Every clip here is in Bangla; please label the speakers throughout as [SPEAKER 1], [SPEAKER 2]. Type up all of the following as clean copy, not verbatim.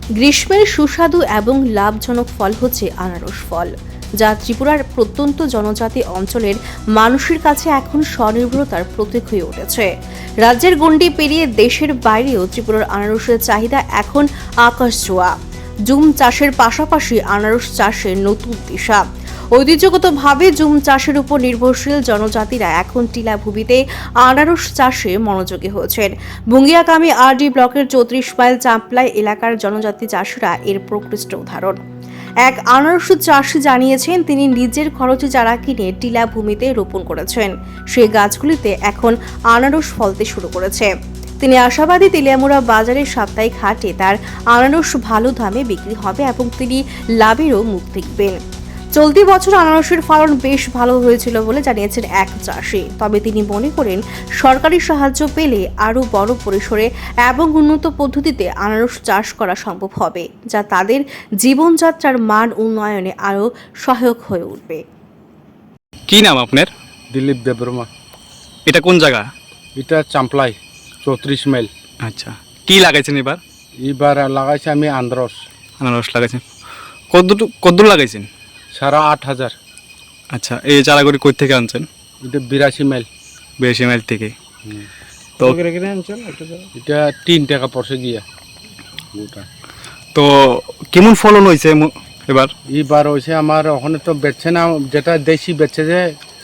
[SPEAKER 1] গ্রীষ্মের সুস্বাদু এবং লাভজনক ফল হচ্ছে আনারস ফল, যা ত্রিপুরার প্রত্যন্ত জনজাতি অঞ্চলের মানুষের কাছে এখন স্বনির্ভরতার প্রতীক হয়ে উঠেছে। রাজ্যের গণ্ডি পেরিয়ে দেশের বাইরেও ত্রিপুরার আনারসের চাহিদা এখন আকাশ ছোঁয়া। জুম চাষের পাশাপাশি আনারস চাষে নতুন দিশা। ঐতিহ্যগতভাবে জুম চাষের উপর নির্ভরশীল জনজাতিরা এখন টিলাভূমিতে আনারস চাষে মনোযোগী হয়েছেন। বুঙ্গিয়াকামী আরডি ব্লকের 34 মাইল চাম্পলাই এলাকার জনজাতি চাষিরা এর প্রকৃষ্ট উদাহরণ। এক আনারস চাষি জানিয়েছেন, তিনি নিজের খরচে চারা কিনে টিলাভূমিতে রোপণ করেছেন। সেই গাছগুলিতে এখন আনারস ফলতে শুরু করেছে। তিনি আশাবাদী তেলিয়ামুড়া বাজারের সাপ্তাহিক হাটে তার আনারস ভালো দামে বিক্রি হবে এবং তিনি লাভেরও মুখ দেখবেন। চলতি বছর আনারসের ফলন বেশ ভালো হয়েছিল বলে জানিয়েছেন এক চাষি। তবে তিনি মনে করেন, সরকারি সাহায্য পেলে আরও বড় পরিসরে এবং উন্নত পদ্ধতিতে আনারস চাষ করা সম্ভব হবে, যা তাদের জীবনযাত্রার মান উন্নয়নে আরও সহায়ক হয়ে উঠবে।
[SPEAKER 2] কি নাম আপনার?
[SPEAKER 3] দিলীপ দেববর্মা।
[SPEAKER 2] এটা কোন জায়গা?
[SPEAKER 3] এটা চাম্পলাই 34 মাইল।
[SPEAKER 2] আচ্ছা, কি লাগাইছেন এবার?
[SPEAKER 3] এবার লাগাইছি আমি
[SPEAKER 2] আনারস লাগাইছেন। কদ্দূর লাগাইছেন?
[SPEAKER 3] 8,500।
[SPEAKER 2] আচ্ছা, এই চারাগুলি কই থেকে আনছেন?
[SPEAKER 3] এটা 82 মাইল।
[SPEAKER 2] 82 মাইল থেকে। তো
[SPEAKER 3] এটা 3 টাকা পড়ছে গিয়া গোটা।
[SPEAKER 2] তো কেমন ফলন হয়েছে এবার?
[SPEAKER 3] এবার হয়েছে আমার ওখানে তো বেচছে না, যেটা দেশি বেচছে যে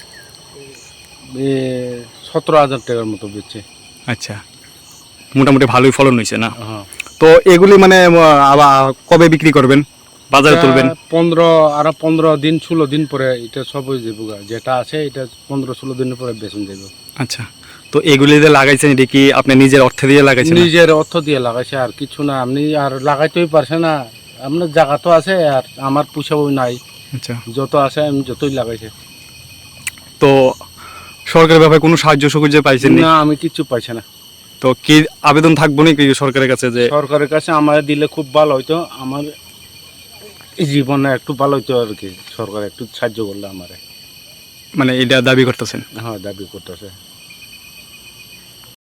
[SPEAKER 3] 17,000 টাকার মতো বেচছে।
[SPEAKER 2] আচ্ছা, মোটামুটি ভালোই ফলন হয়েছে না?
[SPEAKER 3] হ্যাঁ।
[SPEAKER 2] তো এগুলি মানে আবার কবে বিক্রি করবেন, বাজারে তুলবেন?
[SPEAKER 3] 15 দিন 16 দিন পরে এটা সব হয়ে যাবো। যেটা আছে এটা 15-16 দিনের পরে বেচন যাবে।
[SPEAKER 2] আচ্ছা, তো এগুলি যে লাগাইছেন, এটা কি আপনি নিজের অর্থ দিয়ে লাগাইছেন?
[SPEAKER 3] নিজের অর্থ দিয়ে লাগাইছে, আর কিছু না। আপনি আর লাগাইতেই পারছে না, আপনার জায়গা তো আছে আর আমার পুষাবই নাই।
[SPEAKER 2] আচ্ছা,
[SPEAKER 3] যত আছে আমি যতই লাগাইছে।
[SPEAKER 2] তো সরকারের ব্যাপারে কোনো সাহায্য সুবিধা পাইছেন
[SPEAKER 3] না, আমি কিচ্ছু পাইছি না।
[SPEAKER 2] তো কি আবেদন থাকবো নাকি সরকারের কাছে যে
[SPEAKER 3] সরকারের কাছে আমার দিলে খুব ভালো হইতো, আমার জীবনে একটু ভালো হইতো আর কি। সরকার একটু সাহায্য করলে আমারে।
[SPEAKER 2] মানে এটা দাবি করতেছেন?
[SPEAKER 3] হ্যাঁ, দাবি করতেছে।